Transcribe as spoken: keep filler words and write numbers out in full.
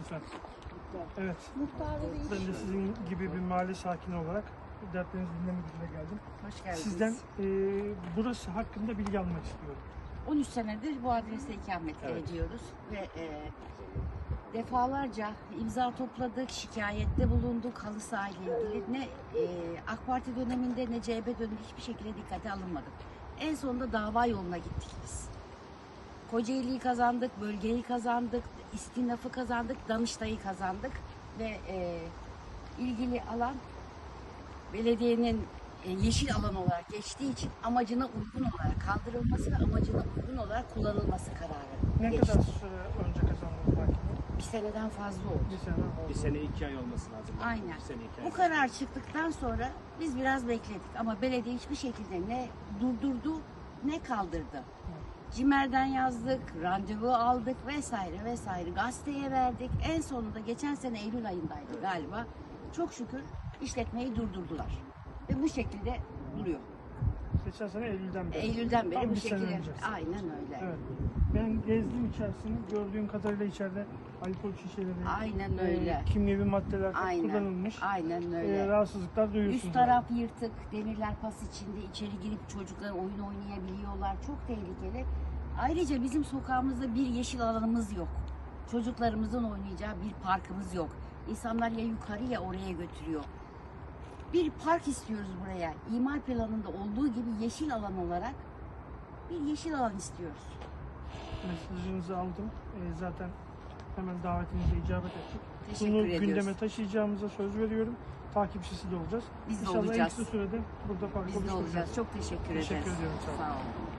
lütfen. Evet. Muhtarı değil. Ben de sizin gibi bir mahalle sakini olarak dertlerinizi dinlemek üzere geldim. Hoş geldiniz. Sizden e, burası hakkında bilgi almak istiyorum. on üç senedir bu adreste ikamet Evet. ediyoruz ve e, defalarca imza topladık, şikayette bulunduk halı saha ile ilgili. Ne e, AK Parti döneminde ne C H P döneminde hiçbir şekilde dikkate alınmadı. En sonunda dava yoluna gittik biz. Kocaeli'yi kazandık, bölgeyi kazandık, istinafı kazandık, Danıştay'ı kazandık ve e, ilgili alan belediyenin e, yeşil alan olarak geçtiği için amacına uygun olarak kaldırılması ve amacına uygun olarak kullanılması kararı Ne geçti. kadar süre önce kazandınız belki? Bir seneden fazla oldu. Bir sene oldu. Bir sene iki ay olması lazım. Aynen. Bir sene iki ay. Bu karar çıktıktan sonra biz biraz bekledik ama belediye hiçbir şekilde ne durdurdu ne kaldırdı. Cimer'den yazdık, randevu aldık vesaire vesaire. Gazeteye verdik. En sonunda geçen sene Eylül ayındaydı galiba. Çok şükür işletmeyi durdurdular. Ve bu şekilde duruyor. Geçen sene Eylül'den beri. Eylül'den beri Tam bu bir sene şekilde. önce. Aynen öyle. Evet. Ben gezdim içerisini. Gördüğüm kadarıyla içeride alkol şişeleri, Aynen e, öyle. kimyevi maddeler Aynen. kullanılmış. Aynen E, öyle. rahatsızlıklar duyuyorsunuz. Üst taraf yırtık, demirler pas içinde içeri girip çocuklar oyun oynayabiliyorlar. Çok tehlikeli. Ayrıca bizim sokağımızda bir yeşil alanımız yok. Çocuklarımızın oynayacağı bir parkımız yok. İnsanlar ya yukarı ya oraya götürüyor. Bir park istiyoruz buraya. İmar planında olduğu gibi yeşil alan olarak bir yeşil alan istiyoruz. Mesajınızı aldım. E, zaten hemen davetinize icabet ettik. Teşekkür Bunu ediyoruz. gündeme taşıyacağımıza söz veriyorum. Takipçisi de olacağız. Biz de İnşallah en olacağız. kısa sürede burada park Biz de oluşturacağız. olacağız. Çok teşekkür, Teşekkür ederiz. ediyorum, sağ olun. Sağ olun.